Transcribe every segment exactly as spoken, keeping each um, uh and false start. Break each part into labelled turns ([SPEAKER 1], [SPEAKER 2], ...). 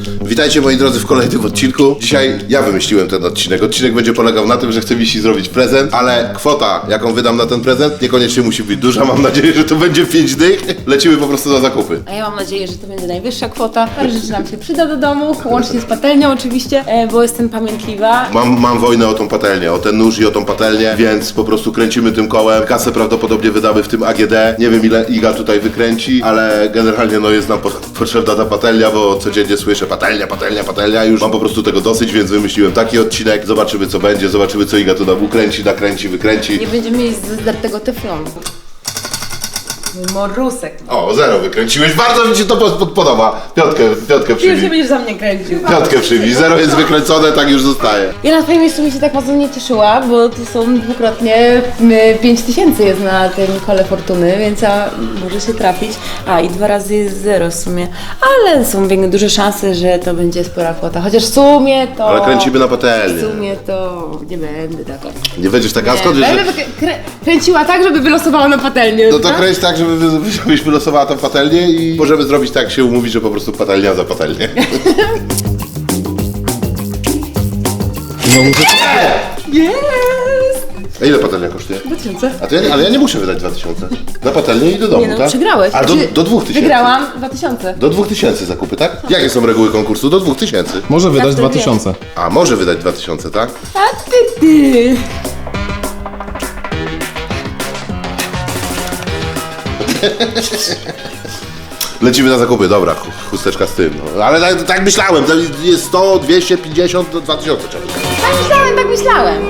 [SPEAKER 1] Witajcie moi drodzy w kolejnym odcinku. Dzisiaj ja wymyśliłem ten odcinek. Odcinek będzie polegał na tym, że chcę Wisi zrobić prezent, ale kwota, jaką wydam na ten prezent, niekoniecznie musi być duża. Mam nadzieję, że to będzie pięć dych. Lecimy po prostu na zakupy.
[SPEAKER 2] A ja mam nadzieję, że to będzie najwyższa kwota. Parę rzeczy nam się przyda do domu, łącznie z patelnią oczywiście, e, bo jestem pamiętliwa.
[SPEAKER 1] Mam, mam wojnę o tą patelnię, o ten nóż i o tą patelnię, więc po prostu kręcimy tym kołem. Kasę prawdopodobnie wydamy w tym A G D. Nie wiem ile Iga tutaj wykręci, ale generalnie no jest nam po, potrzebna ta patelnia, bo codziennie słyszę patelnia, patelnia, patelnia. Już mam po prostu tego dosyć, więc wymyśliłem taki odcinek. Zobaczymy co będzie, zobaczymy co Iga tu nam ukręci, nakręci, wykręci.
[SPEAKER 2] Nie będziemy mieć zdartego teflonu. Morusek.
[SPEAKER 1] O, zero wykręciłeś. Bardzo mi się to pod- podoba. Piątkę, piątkę
[SPEAKER 2] Ty już
[SPEAKER 1] przybij.
[SPEAKER 2] nie będziesz za mnie kręcił.
[SPEAKER 1] Piątkę przybij. Zero jest wykręcone, tak już zostaje.
[SPEAKER 2] Ja na twoim miejscu mi się tak mocno nie cieszyła, bo to są dwukrotnie pięć tysięcy jest na tym kole fortuny, więc ja może się trafić. A i dwa razy jest zero w sumie, ale są większe, duże szanse, że to będzie spora kwota. Chociaż w sumie to...
[SPEAKER 1] Ale kręcimy na patelnię.
[SPEAKER 2] W sumie to nie będę taka.
[SPEAKER 1] Nie będziesz taka,
[SPEAKER 2] Nie,
[SPEAKER 1] skąd wiesz,
[SPEAKER 2] będę
[SPEAKER 1] że...
[SPEAKER 2] wykrę- krę- kręciła tak, żeby wylosowało na patelnię.
[SPEAKER 1] No to kręć tak, żeby wy- żebyś wylosowała tą patelnię i możemy zrobić tak, się umówić, że po prostu patelnia za patelnię. No muszę...
[SPEAKER 2] Jest!
[SPEAKER 1] A ile patelnia kosztuje?
[SPEAKER 2] dwa tysiące.
[SPEAKER 1] A to ja, ale ja nie muszę wydać dwa tysiące. Na patelnię i do domu,
[SPEAKER 2] Nie no,
[SPEAKER 1] tak?
[SPEAKER 2] przegrałeś.
[SPEAKER 1] A do,
[SPEAKER 2] Znaczy,
[SPEAKER 1] do dwóch tysięcy.
[SPEAKER 2] Wygrałam dwa tysiące.
[SPEAKER 1] Do dwóch tysięcy zakupy, tak? Jakie są reguły konkursu? Do dwóch tysięcy.
[SPEAKER 3] Może wydać
[SPEAKER 2] to
[SPEAKER 3] dwa
[SPEAKER 2] wiem.
[SPEAKER 3] tysiące.
[SPEAKER 1] A, może wydać dwa tysiące, tak?
[SPEAKER 2] A ty ty!
[SPEAKER 1] Lecimy na zakupy, dobra, ch- chusteczka z tym. No. Ale tak, tak myślałem, to jest sto, dwieście pięćdziesiąt, do dwa tysiące trzeba.
[SPEAKER 2] Tak myślałem, tak myślałem.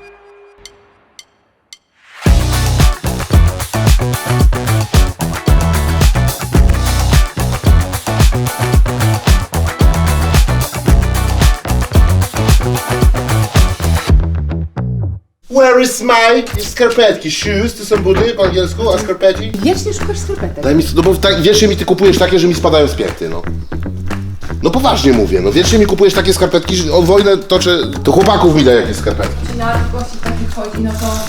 [SPEAKER 1] Where is my skarpetki? Shoes, to są buty po angielsku, a skarpetki?
[SPEAKER 2] Wiecznie szukasz skarpetek.
[SPEAKER 1] Daj mi, no bo tak, wiecznie mi ty kupujesz takie, że mi spadają z pięty, no. No poważnie mówię, no wiecznie mi kupujesz takie skarpetki, że o wojnę toczę, to chłopaków mi da jakieś skarpetki.
[SPEAKER 2] Na gości taki wchodzi, no to...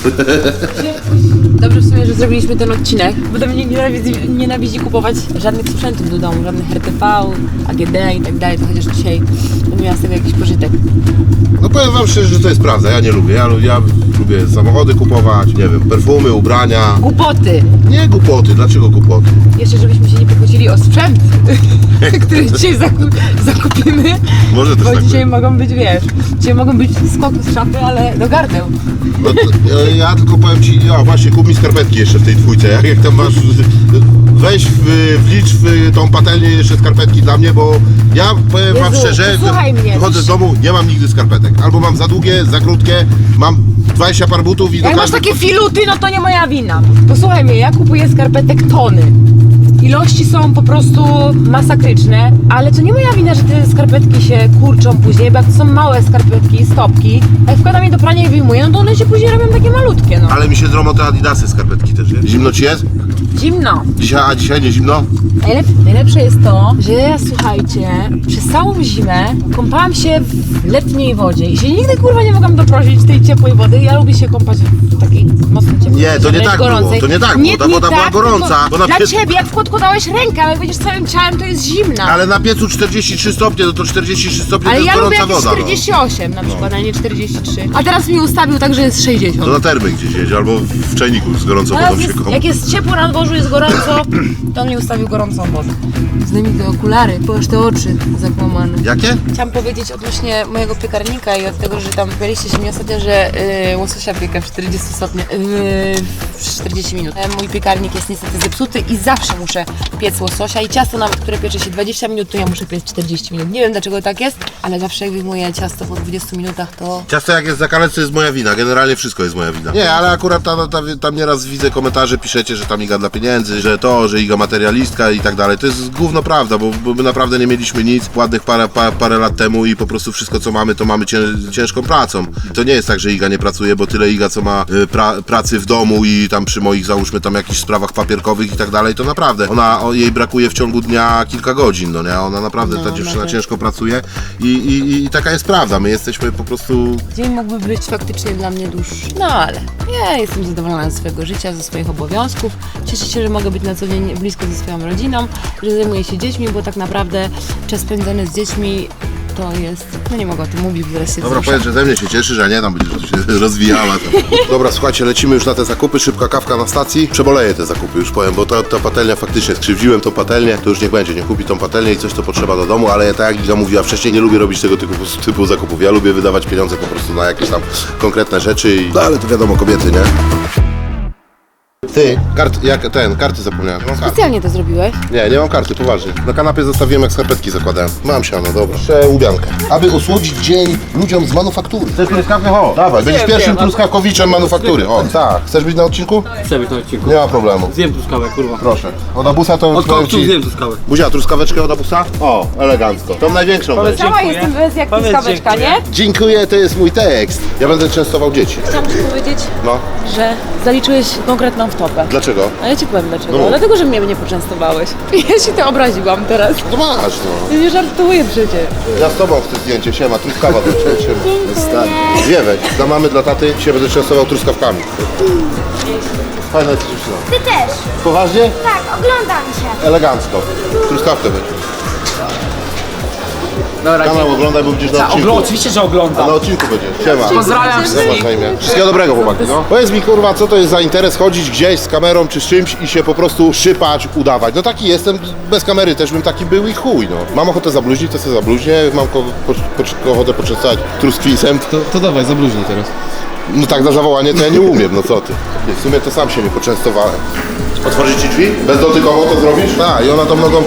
[SPEAKER 2] Dobrze w sumie, że zrobiliśmy ten odcinek, bo to mnie nienawidzi, nienawidzi kupować żadnych sprzętów do domu, żadnych R T V, A G D i tak dalej, to chociaż dzisiaj będę miała z tego jakiś pożytek.
[SPEAKER 1] No powiem wam szczerze, że to jest prawda, ja nie lubię, ja, lu- ja lubię samochody kupować, nie wiem, perfumy, ubrania.
[SPEAKER 2] Głupoty!
[SPEAKER 1] Nie głupoty, dlaczego głupoty?
[SPEAKER 2] Jeszcze żebyśmy się nie pokłócili o sprzęt, który dzisiaj zaku- zakupimy,
[SPEAKER 1] Może też
[SPEAKER 2] bo
[SPEAKER 1] tak
[SPEAKER 2] dzisiaj
[SPEAKER 1] być.
[SPEAKER 2] mogą być, wiesz, dzisiaj mogą być skoki z szafy, ale do gardeł.
[SPEAKER 1] No to, ja, ja tylko powiem ci, o właśnie, kup mi skarpetki jeszcze w tej dwójce, jak, jak tam masz, weź w, wlicz w tą patelnię jeszcze skarpetki dla mnie, bo ja powiem wam
[SPEAKER 2] Jezu,
[SPEAKER 1] szczerze,
[SPEAKER 2] posłuchaj mnie.
[SPEAKER 1] wychodzę z domu, nie mam nigdy skarpetek, albo mam za długie, za krótkie, mam dwadzieścia par butów i do
[SPEAKER 2] Jak masz
[SPEAKER 1] każdej...
[SPEAKER 2] takie filuty, no to nie moja wina. Posłuchaj mnie, ja kupuję skarpetek tony. Ilości są po prostu masakryczne, ale to nie moja wina, że te skarpetki się kurczą później, bo jak to są małe skarpetki, stopki, jak wkładam je do prania i wyjmuję, no to one się później robią takie malutkie, no.
[SPEAKER 1] Ale mi się dromą te adidasy skarpetki też, nie? Zimno ci jest?
[SPEAKER 2] Zimno.
[SPEAKER 1] Dzisiaj, a dzisiaj nie zimno?
[SPEAKER 2] Najlep najlepsze jest to, że ja, słuchajcie, przez całą zimę kąpałam się w letniej wodzie i się nigdy kurwa nie mogłam doprosić tej ciepłej wody. Ja lubię się kąpać w takiej mocno ciepłej
[SPEAKER 1] Nie, to nie
[SPEAKER 2] wręcz
[SPEAKER 1] tak było,
[SPEAKER 2] gorącej.
[SPEAKER 1] to nie tak było, ta woda była gorąca,
[SPEAKER 2] tylko
[SPEAKER 1] bo na
[SPEAKER 2] Dla
[SPEAKER 1] piecu-
[SPEAKER 2] ciebie, jak podkładałeś rękę, ale jak będziesz całym ciałem, to jest zimna.
[SPEAKER 1] Ale na piecu czterdzieści trzy stopnie, no to czterdzieści trzy stopnie
[SPEAKER 2] Ale
[SPEAKER 1] to jest
[SPEAKER 2] ja lubię
[SPEAKER 1] gorąca
[SPEAKER 2] jakieś
[SPEAKER 1] woda.
[SPEAKER 2] czterdzieści osiem na przykład, a nie czterdzieści trzy. A teraz mi ustawił tak, że jest
[SPEAKER 1] No.
[SPEAKER 2] sześćdziesiąt.
[SPEAKER 1] To na termy gdzieś jedź, albo w czajniku z gorącą
[SPEAKER 2] Teraz
[SPEAKER 1] wodą się
[SPEAKER 2] jest,
[SPEAKER 1] kąp.
[SPEAKER 2] jak jest ciepło na dworzu, jest gorąco, to on mi ustawił gorącą wodę. Zdejmij te okulary, bo aż te oczy zakłamane.
[SPEAKER 1] Jakie?
[SPEAKER 2] Chciałam powiedzieć odnośnie mojego piekarnika i od tego, że tam pytaliście się mnie ostatnio, że yy, łososia pieka w czterdzieści stopni, yy, w czterdzieści minut. E, Mój piekarnik jest niestety zepsuty i zawsze muszę piec łososia i ciasto nawet, które piecze się dwadzieścia minut, to ja muszę piec czterdzieści minut. Nie wiem dlaczego tak jest, ale zawsze jak wyjmuję ciasto po dwudziestu minutach, to...
[SPEAKER 1] Ciasto jak jest zakalec, to jest moja wina, generalnie wszystko jest moja wina. Nie, ale akurat tam, tam, tam nieraz widzę komentarze, piszecie, że tam Iga dla pieniędzy, że to, że Iga materialistka i tak dalej. To jest gówno prawda, bo, bo my naprawdę nie mieliśmy nic ładnych parę, parę, parę lat temu i po prostu wszystko co mamy, to mamy cię, ciężką pracą. I to nie jest tak, że Iga nie pracuje, bo tyle Iga co ma y, pra, pracy w domu i tam przy moich załóżmy tam jakichś sprawach papierkowych i tak dalej, to naprawdę ona, o, jej brakuje w ciągu dnia kilka godzin, no nie? Ona naprawdę,
[SPEAKER 2] No,
[SPEAKER 1] ta dziewczyna
[SPEAKER 2] nawet.
[SPEAKER 1] ciężko pracuje i, i, i taka jest prawda. My jesteśmy po prostu...
[SPEAKER 2] Dzień mógłby być faktycznie dla mnie dłuższy. No ale ja jestem zadowolona ze swojego życia, ze swoich obowiązków. Cieszę cieszę się, że mogę być na co dzień blisko ze swoją rodziną, że zajmuję się dziećmi, bo tak naprawdę czas spędzony z dziećmi to jest... No nie mogę o tym mówić, bo zaraz się
[SPEAKER 1] Dobra,
[SPEAKER 2] wzruszę.
[SPEAKER 1] powiedz, że ze mnie się cieszysz, a nie tam będziesz się rozwijała. Tam. Dobra, słuchajcie, lecimy już na te zakupy, szybka kawka na stacji. Przeboleję te zakupy, już powiem, bo ta, ta patelnia faktycznie, skrzywdziłem tą patelnię, to już niech będzie, nie kupi tą patelnię i coś to potrzeba do domu, ale ja tak jak Iga mówiła wcześniej, nie lubię robić tego typu, typu zakupów. Ja lubię wydawać pieniądze po prostu na jakieś tam konkretne rzeczy, i... no ale to wiadomo, kobiety, nie? Ty, kart, jak ten, karty zapomniałem. Mam karty.
[SPEAKER 2] Specjalnie to zrobiłeś?
[SPEAKER 1] Nie, nie mam karty, poważnie. Na kanapie zostawiłem, jak skarpetki zakładałem. Mam siano, dobra. Jeszcze łubiankę. Aby osłodzić dzień ludziom z manufaktury. Chcesz truskawkę? O, dawaj, będziesz pierwszym truskawkowiczem manufaktury. O, tak. Chcesz być na odcinku?
[SPEAKER 3] Chcę być na odcinku.
[SPEAKER 1] Nie ma problemu.
[SPEAKER 3] Zjem truskawę, kurwa.
[SPEAKER 1] Proszę. Od abusa to...
[SPEAKER 3] Od
[SPEAKER 1] powiem
[SPEAKER 3] koktu zjem truskawę.
[SPEAKER 1] Buzia, truskaweczkę od abusa? O, elegancko. Tą największą weź.
[SPEAKER 2] Sama jestem bez jak
[SPEAKER 3] Powiedz
[SPEAKER 2] truskaweczka, nie?
[SPEAKER 3] dziękuję.
[SPEAKER 1] Dziękuję, to jest mój tekst. Ja będę częstował dzieci.
[SPEAKER 2] Chciałam ci powiedzieć,
[SPEAKER 1] No.
[SPEAKER 2] że zaliczyłeś konkretną wtopę.
[SPEAKER 1] Dlaczego?
[SPEAKER 2] A ja ci powiem dlaczego.
[SPEAKER 1] No.
[SPEAKER 2] Dlatego, że mnie nie poczęstowałeś. Ja się to obraziłam teraz.
[SPEAKER 1] To masz, no.
[SPEAKER 2] Ja nie żartuję przecież.
[SPEAKER 1] Ja z tobą chcę zdjęcie, siema, truskawa do ciebie, siema. Dwie weź. Dla mamy, dla taty się będę częstował truskawkami. Fajna jest dziewczyna.
[SPEAKER 4] Ty też.
[SPEAKER 1] Poważnie?
[SPEAKER 4] Tak, oglądam cię.
[SPEAKER 1] Elegancko. Truskawkę weź.
[SPEAKER 3] Dobra,
[SPEAKER 1] Kanał oglądaj, bo będziesz na
[SPEAKER 3] Ta,
[SPEAKER 1] odcinku.
[SPEAKER 3] ogl- oczywiście, że
[SPEAKER 1] A
[SPEAKER 3] oglądam.
[SPEAKER 1] na odcinku będziesz. Siema.
[SPEAKER 3] Pozdrawiam
[SPEAKER 1] Jak
[SPEAKER 3] wszystkich.
[SPEAKER 1] masz na imię? Wszystkiego dobrego, chłopaki, no. Powiedz mi, kurwa, co to jest za interes chodzić gdzieś z kamerą czy z czymś i się po prostu szypać, udawać. No taki jestem, bez kamery też bym taki był i chuj, no. Mam ochotę zabluźnić, to sobie zabluźnię. Mam ko- po, po, ochotę poczęstować truskwisem.
[SPEAKER 5] To, to dawaj, zabluźnij teraz.
[SPEAKER 1] No tak na zawołanie to ja nie umiem, no co ty. Nie, w sumie to sam się nie poczęstowałem. Otworzyć ci drzwi? Bezdotykowo to zrobisz? Tak, i ona to mogą...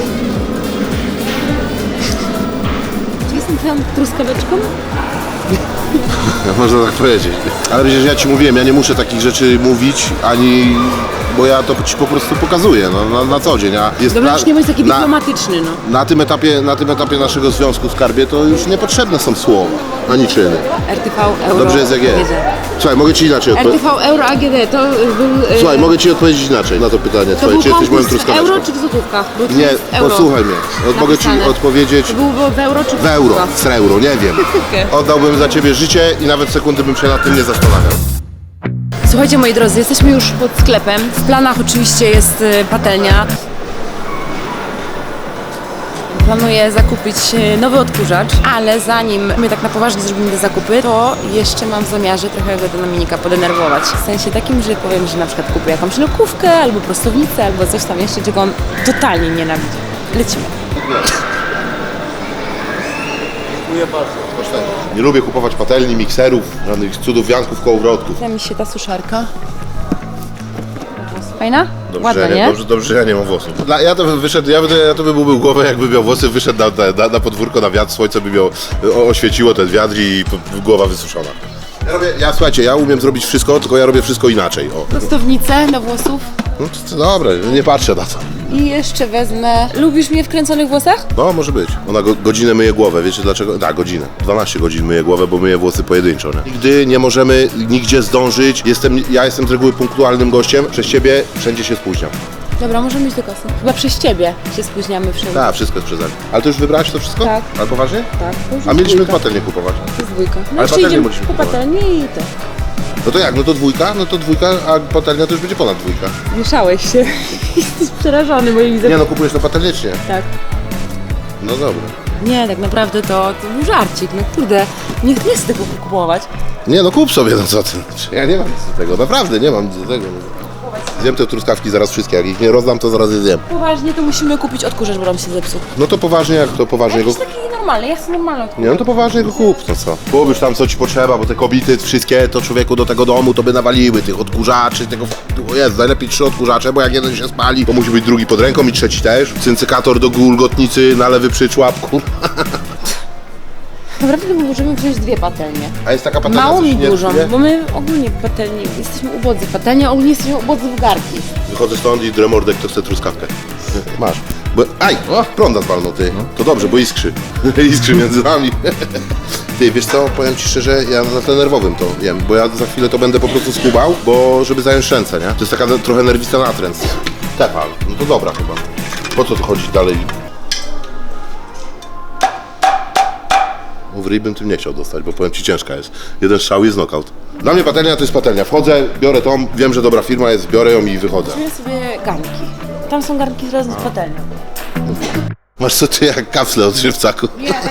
[SPEAKER 2] Czy jestem twoją truskaweczką?
[SPEAKER 1] Można tak powiedzieć. Ale przecież ja ci mówiłem, ja nie muszę takich rzeczy mówić, ani... bo ja to ci po prostu pokazuję, no, na, na co dzień. A jest
[SPEAKER 2] Dobra,
[SPEAKER 1] na-
[SPEAKER 2] już nie bądź taki
[SPEAKER 1] na-
[SPEAKER 2] dyplomatyczny, no.
[SPEAKER 1] Na tym, etapie, na tym etapie naszego związku, skarbie, to już niepotrzebne są słowa, ani czyny.
[SPEAKER 2] R T V Euro
[SPEAKER 1] Dobrze jest jak jest.
[SPEAKER 2] A G D.
[SPEAKER 1] Słuchaj, mogę ci inaczej
[SPEAKER 2] R T
[SPEAKER 1] odpowiedzieć.
[SPEAKER 2] V Euro A G D to był... e,
[SPEAKER 1] Słuchaj, mogę ci odpowiedzieć inaczej na to pytanie
[SPEAKER 2] to
[SPEAKER 1] twoje,
[SPEAKER 2] był
[SPEAKER 1] czy jesteś moją
[SPEAKER 2] konkurs w
[SPEAKER 1] truskaweczką.
[SPEAKER 2] euro czy w złotówkach? Był
[SPEAKER 1] Nie,
[SPEAKER 2] konkurs w euro
[SPEAKER 1] posłuchaj mnie. Od, mogę ci
[SPEAKER 2] napisane.
[SPEAKER 1] odpowiedzieć
[SPEAKER 2] To był w euro czy w
[SPEAKER 1] w euro,
[SPEAKER 2] złotówkach?
[SPEAKER 1] w euro, nie wiem.
[SPEAKER 2] Okej.
[SPEAKER 1] Oddałbym za ciebie życie i nawet sekundy bym się nad tym nie zastanawiał.
[SPEAKER 2] Słuchajcie, moi drodzy, jesteśmy już pod sklepem. W planach oczywiście jest y, patelnia. Planuję zakupić y, nowy odkurzacz, ale zanim my tak na poważnie zrobimy te zakupy, to jeszcze mam w zamiarze trochę go do Dominika podenerwować. W sensie takim, że powiem, że na przykład kupię jakąś lokówkę, albo prostownicę, albo coś tam jeszcze, czego on totalnie nienawidzi. Lecimy.
[SPEAKER 1] Nie lubię kupować patelni, mikserów, żadnych cudów, wianków, kołowrotków.
[SPEAKER 2] Podoba mi się ta suszarka. Fajna?
[SPEAKER 1] Dobrze,
[SPEAKER 2] Ładna,
[SPEAKER 1] że
[SPEAKER 2] nie?
[SPEAKER 1] Dobrze, dobrze, że ja nie mam włosów. Dla, ja to bym wyszedł, ja, by, ja to by był głowę, jakby miał włosy, wyszedł na, na, na podwórko, na wiatr, słońce by miał, o, oświeciło ten wiatr i po, głowa wysuszona. Ja robię, ja słuchajcie, ja umiem zrobić wszystko, tylko ja robię wszystko inaczej. O.
[SPEAKER 2] Prostownicę do włosów.
[SPEAKER 1] No, to, to, dobra, nie patrzę na to.
[SPEAKER 2] I jeszcze wezmę... Lubisz mnie w kręconych włosach?
[SPEAKER 1] No, może być. Ona go, godzinę myje głowę, wiecie dlaczego? Tak, godzinę. dwanaście godzin myje głowę, bo myje włosy pojedynczo, nie? Nigdy nie możemy nigdzie zdążyć. Jestem, ja jestem z reguły punktualnym gościem. Przez ciebie wszędzie się spóźniam.
[SPEAKER 2] Dobra, możemy iść do kasy. Chyba przez ciebie się spóźniamy wszędzie.
[SPEAKER 1] Tak, wszystko jest przeze mnie. Ale ty już wybrałaś to wszystko?
[SPEAKER 2] Tak.
[SPEAKER 1] Ale poważnie?
[SPEAKER 2] Tak, to już
[SPEAKER 1] A
[SPEAKER 2] jest
[SPEAKER 1] mieliśmy
[SPEAKER 2] dwójka.
[SPEAKER 1] patelnię kupować.
[SPEAKER 2] To jest dwójka. No
[SPEAKER 1] Ale
[SPEAKER 2] jeszcze
[SPEAKER 1] patelnię
[SPEAKER 2] idziemy
[SPEAKER 1] mogliśmy
[SPEAKER 2] po
[SPEAKER 1] kupować.
[SPEAKER 2] patelnię i to.
[SPEAKER 1] No to jak? No to dwójka? No to dwójka, a patelnia to już będzie ponad dwójka.
[SPEAKER 2] Mieszałeś się. Jesteś przerażony moim widzem.
[SPEAKER 1] Nie no, kupujesz to patelnię czy nie?
[SPEAKER 2] Tak.
[SPEAKER 1] No dobra.
[SPEAKER 2] Nie, tak naprawdę to, to był żarcik. No kurde, nie, nie chcę tego kupować.
[SPEAKER 1] Nie no, kup sobie, no co ty. Ja nie mam nic do tego, naprawdę nie mam nic do tego. Zjem te truskawki zaraz wszystkie, jak ich nie rozdam, to zaraz je zjem.
[SPEAKER 2] Poważnie to musimy kupić odkurzacz, bo nam się zepsuł.
[SPEAKER 1] No to poważnie, jak to poważnie go...
[SPEAKER 2] Jakiś taki normalny, ja chcę normalny odkurzacz.
[SPEAKER 1] Nie no to poważnie go kup, no co? Kupisz tam co ci potrzeba, bo te kobiety wszystkie to człowieku do tego domu to by nawaliły tych odkurzaczy, tego... O Jezu, najlepiej trzy odkurzacze, bo jak jeden się spali, to musi być drugi pod ręką i trzeci też. Cyncykator do gulgotnicy na lewy przyczłapku.
[SPEAKER 2] Naprawdę to możemy wziąć dwie patelnie.
[SPEAKER 1] A jest taka patelnia,
[SPEAKER 2] Małą
[SPEAKER 1] co
[SPEAKER 2] i
[SPEAKER 1] się nie
[SPEAKER 2] dużą,
[SPEAKER 1] rysuje?
[SPEAKER 2] bo my ogólnie patelni jesteśmy ubodzy. Patelnia ogólnie jesteśmy ubodzy w garki.
[SPEAKER 1] Wychodzę stąd i dremordek to chce truskawkę. Masz. Bo, aj, o, prąda zwalnął ty. To dobrze, bo iskrzy. Iskrzy między nami. Ty, wiesz co, powiem ci szczerze, ja na tle nerwowym to jem, bo ja za chwilę to będę po prostu skubał, bo żeby zająć ręce, nie? To jest taka trochę nerwista natręt. Tefal, no to dobra chyba. Po co tu chodzić dalej? W ryj bym tym nie chciał dostać, bo powiem ci ciężka jest. Jeden strzał jest knockout. Dla mnie patelnia to jest patelnia. Wchodzę, biorę tą, wiem, że dobra firma jest, biorę ją i wychodzę.
[SPEAKER 2] Weźmy sobie garnki. Tam są garnki razem z patelnią.
[SPEAKER 1] Masz co ty jak kapsle od żywcaku.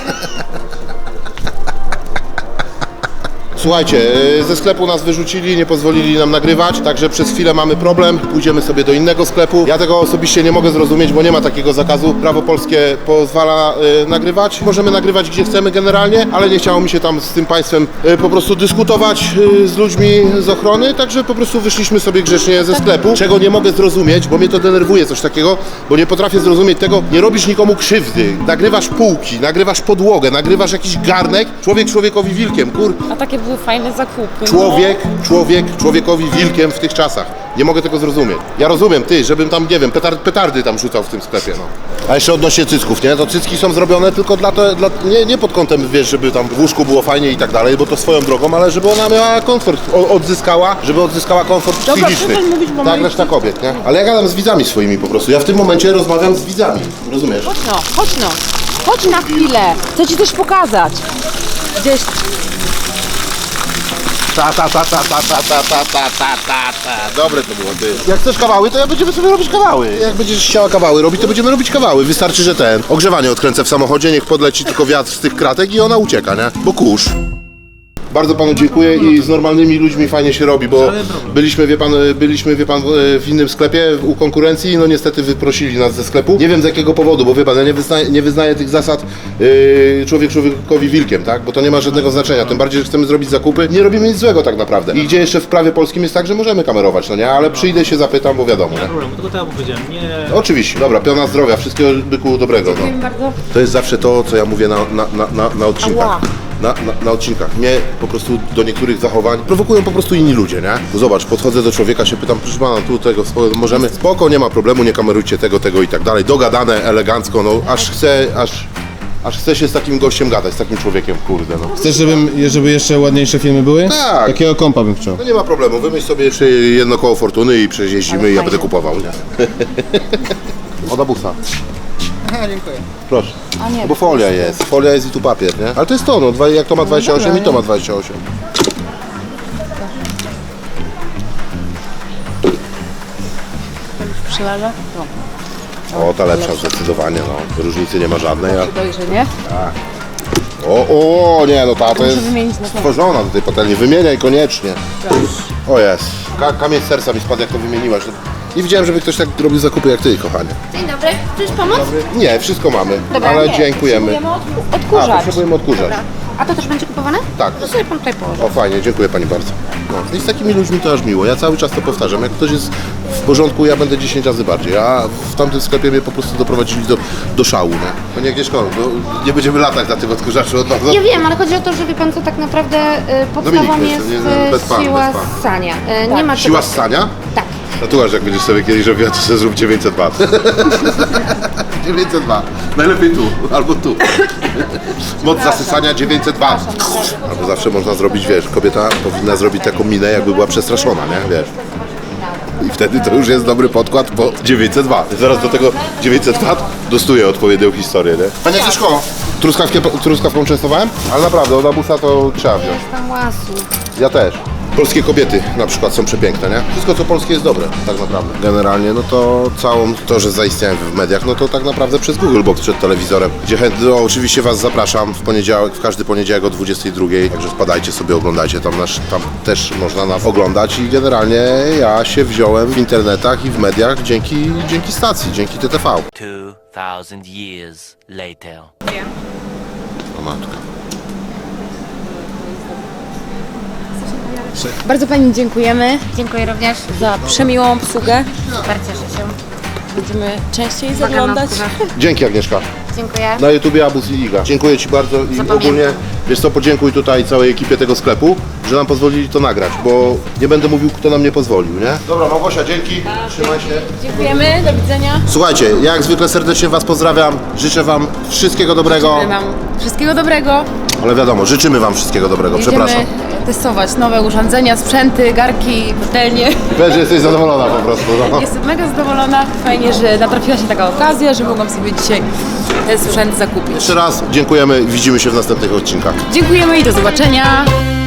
[SPEAKER 1] Słuchajcie, ze sklepu nas wyrzucili, nie pozwolili nam nagrywać, także przez chwilę mamy problem, pójdziemy sobie do innego sklepu. Ja tego osobiście nie mogę zrozumieć, bo nie ma takiego zakazu. Prawo polskie pozwala y, nagrywać. Możemy nagrywać gdzie chcemy generalnie, ale nie chciało mi się tam z tym państwem y, po prostu dyskutować y, z ludźmi z ochrony, także po prostu wyszliśmy sobie grzecznie ze sklepu, czego nie mogę zrozumieć, bo mnie to denerwuje coś takiego, bo nie potrafię zrozumieć tego, nie robisz nikomu krzywdy. Nagrywasz półki, nagrywasz podłogę, nagrywasz jakiś garnek, człowiek człowiekowi wilkiem, kur...
[SPEAKER 2] A takie były fajne zakupy.
[SPEAKER 1] Człowiek, człowiek, człowiekowi wilkiem w tych czasach. Nie mogę tego zrozumieć. Ja rozumiem, ty, żebym tam, nie wiem, petard, petardy tam rzucał w tym sklepie, no. A jeszcze odnośnie cycków, nie? To cycki są zrobione tylko dla, to, dla nie, nie pod kątem, wiesz, żeby tam w łóżku było fajnie i tak dalej, bo to swoją drogą, ale żeby ona miała komfort, o, odzyskała, żeby odzyskała komfort
[SPEAKER 2] Dobra,
[SPEAKER 1] psychiczny.
[SPEAKER 2] przestań mówić, bo
[SPEAKER 1] Tak,
[SPEAKER 2] moi-
[SPEAKER 1] reszta kobiet, nie? Ale ja gadam z widzami swoimi po prostu. Ja w tym momencie rozmawiam z widzami, rozumiesz?
[SPEAKER 2] Chodź no, chodź no. Chodź na chwilę. Chcę ci coś pokazać. Gdzieś...
[SPEAKER 1] Ta, ta, ta, ta, ta, ta, ta, ta, ta, ta, ta, ta. Dobre to było, ty. Jak chcesz kawały, to ja będziemy sobie robić kawały. Jak będziesz chciała kawały robić, to będziemy robić kawały. Wystarczy, że ten ogrzewanie odkręcę w samochodzie, niech podleci tylko wiatr z tych kratek i ona ucieka, nie? Bo kurz. Bardzo panu dziękuję i z normalnymi ludźmi fajnie się robi, bo byliśmy, wie pan, byliśmy, wie pan, w innym sklepie u konkurencji, no niestety wyprosili nas ze sklepu. Nie wiem z jakiego powodu, bo wie pan, ja nie wyznaję, nie wyznaję tych zasad yy, człowiek człowiekowi wilkiem, tak? Bo to nie ma żadnego znaczenia, tym bardziej, że chcemy zrobić zakupy, nie robimy nic złego tak naprawdę. I gdzie jeszcze w prawie polskim jest tak, że możemy kamerować, no nie? Ale przyjdę się zapytam, bo wiadomo, nie?
[SPEAKER 3] Problem, tylko tak jak powiedziałem, nie...
[SPEAKER 1] Oczywiście, dobra, piona zdrowia, wszystkiego byku dobrego, no.
[SPEAKER 2] Dziękuję bardzo.
[SPEAKER 1] To jest zawsze to, co ja mówię na, na, na, na, na odcinkach.
[SPEAKER 2] Ała.
[SPEAKER 1] Na, na, na odcinkach. Mnie po prostu do niektórych zachowań prowokują po prostu inni ludzie, nie? Bo zobacz, podchodzę do człowieka, się pytam, proszę pana, tu tego, spoko, możemy, spoko, nie ma problemu, nie kamerujcie tego, tego i tak dalej. Dogadane, elegancko, no aż chcę, aż, aż chcę się z takim gościem gadać, z takim człowiekiem, kurde, no.
[SPEAKER 5] Chcesz, żebym, żeby jeszcze ładniejsze filmy były?
[SPEAKER 1] Tak.
[SPEAKER 5] Takiego kompa bym chciał.
[SPEAKER 1] No nie ma problemu, wymyśl sobie jeszcze jedno koło fortuny i przejeździmy i ja będę kupował, nie? Od abusa.
[SPEAKER 5] Aha, dziękuję.
[SPEAKER 1] Proszę.
[SPEAKER 2] A nie,
[SPEAKER 1] No bo folia jest, folia jest i tu papier, nie? Ale to jest to, no, dwa- jak to ma dwadzieścia osiem i to ma dwadzieścia osiem.
[SPEAKER 2] Przyleżę? No.
[SPEAKER 1] O, ta lepsza zdecydowanie, no. Różnicy nie ma żadnej, a...
[SPEAKER 2] Dojrzenie.
[SPEAKER 1] O, o, nie, no ta to jest
[SPEAKER 2] wymienić na pewno.
[SPEAKER 1] stworzona do tej patelni. Wymieniaj koniecznie. O jest. Ka kamień z serca mi spadł, jak to wymieniłaś. Nie widziałem, żeby ktoś tak robił zakupy jak ty, kochanie.
[SPEAKER 4] Dzień dobry, chcesz pomóc?
[SPEAKER 1] Nie, wszystko mamy,
[SPEAKER 2] Dobra,
[SPEAKER 1] ale
[SPEAKER 2] nie,
[SPEAKER 1] dziękujemy.
[SPEAKER 2] potrzebujemy od-
[SPEAKER 1] A,
[SPEAKER 2] odkurzacz.
[SPEAKER 1] potrzebujemy odkurzacz.
[SPEAKER 4] Dobra. A to też będzie kupowane?
[SPEAKER 1] Tak.
[SPEAKER 4] To sobie pan tutaj położy.
[SPEAKER 1] O, fajnie, dziękuję pani bardzo. No, i z takimi ludźmi to aż miło. Ja cały czas to powtarzam. Jak ktoś jest w porządku, ja będę dziesięć razy bardziej. A w tamtym sklepie mnie po prostu doprowadzili do, do szału, nie? To nie Agnieszko, no, nie będziemy latać na tym odkurzaczu od nowa.
[SPEAKER 4] Ja wiem, ale chodzi o to, że wie pan co, tak naprawdę y, podstawą
[SPEAKER 1] Dominik,
[SPEAKER 4] jest
[SPEAKER 1] nie, nie,
[SPEAKER 4] y,
[SPEAKER 1] bez pan,
[SPEAKER 4] siła
[SPEAKER 1] bez pan.
[SPEAKER 4] ssania. Y, Nie ma
[SPEAKER 1] Siła
[SPEAKER 4] czegoś-
[SPEAKER 1] ssania?
[SPEAKER 4] Tak.
[SPEAKER 1] Tatuaż jak będziesz sobie kiedyś robiła, to sobie zrób dziewięćset wat. dziewięćset wat. Najlepiej tu, albo tu. Moc zasysania dziewięćset wat. Albo zawsze można zrobić, wiesz, kobieta powinna zrobić taką minę, jakby była przestraszona, nie? Wiesz. I wtedy to już jest dobry podkład po dziewięćset wat. Zaraz do tego dziewięćset wat dostuję odpowiednią historię, nie? Panie Agnieszko, truskawkę, truskawką częstowałem? Ale naprawdę, od abusa to trzeba wziąć.
[SPEAKER 4] Tam łasu.
[SPEAKER 1] Ja też. Polskie kobiety na przykład są przepiękne, nie? Wszystko co polskie jest dobre, tak naprawdę. Generalnie, no to całą to, że zaistniałem w mediach, no to tak naprawdę przez Google Box przed telewizorem, gdzie chętnie, no, oczywiście Was zapraszam w poniedziałek, w każdy poniedziałek o dwudziestej drugiej, także wpadajcie sobie, oglądajcie, tam, nasz, tam też można nas oglądać i generalnie ja się wziąłem w internetach i w mediach dzięki, dzięki stacji, dzięki T T V.
[SPEAKER 6] Two thousand years later.
[SPEAKER 1] O matka.
[SPEAKER 2] Bardzo Pani dziękujemy
[SPEAKER 4] Dziękuję również.
[SPEAKER 2] za przemiłą obsługę.
[SPEAKER 4] Bardzo cieszę się.
[SPEAKER 2] Będziemy częściej
[SPEAKER 4] Uwaga na
[SPEAKER 2] zaglądać.
[SPEAKER 4] skórę.
[SPEAKER 1] Dzięki Agnieszka.
[SPEAKER 4] Dziękuję.
[SPEAKER 1] Na YouTubie Abus i Iga. Dziękuję Ci bardzo i
[SPEAKER 4] Zapamiętam.
[SPEAKER 1] ogólnie, wiesz co, podziękuj tutaj całej ekipie tego sklepu, że nam pozwolili to nagrać, bo nie będę mówił, kto nam nie pozwolił, nie? Dobra, Małgosia, dzięki, trzymaj się.
[SPEAKER 2] Dziękujemy, do widzenia.
[SPEAKER 1] Słuchajcie, ja jak zwykle serdecznie Was pozdrawiam, życzę Wam wszystkiego dobrego,
[SPEAKER 2] Życzymy Wam wszystkiego dobrego.
[SPEAKER 1] ale wiadomo, życzymy Wam wszystkiego dobrego, przepraszam.
[SPEAKER 2] Będziemy testować nowe urządzenia, sprzęty, garki, patelnie.
[SPEAKER 1] Wiesz, że jesteś zadowolona po prostu, no.
[SPEAKER 2] Jestem mega zadowolona. Fajnie, że natrafiła się taka okazja, że mogłam sobie dzisiaj ten sprzęt zakupić.
[SPEAKER 1] Jeszcze raz dziękujemy i widzimy się w następnych odcinkach.
[SPEAKER 2] Dziękujemy i do zobaczenia.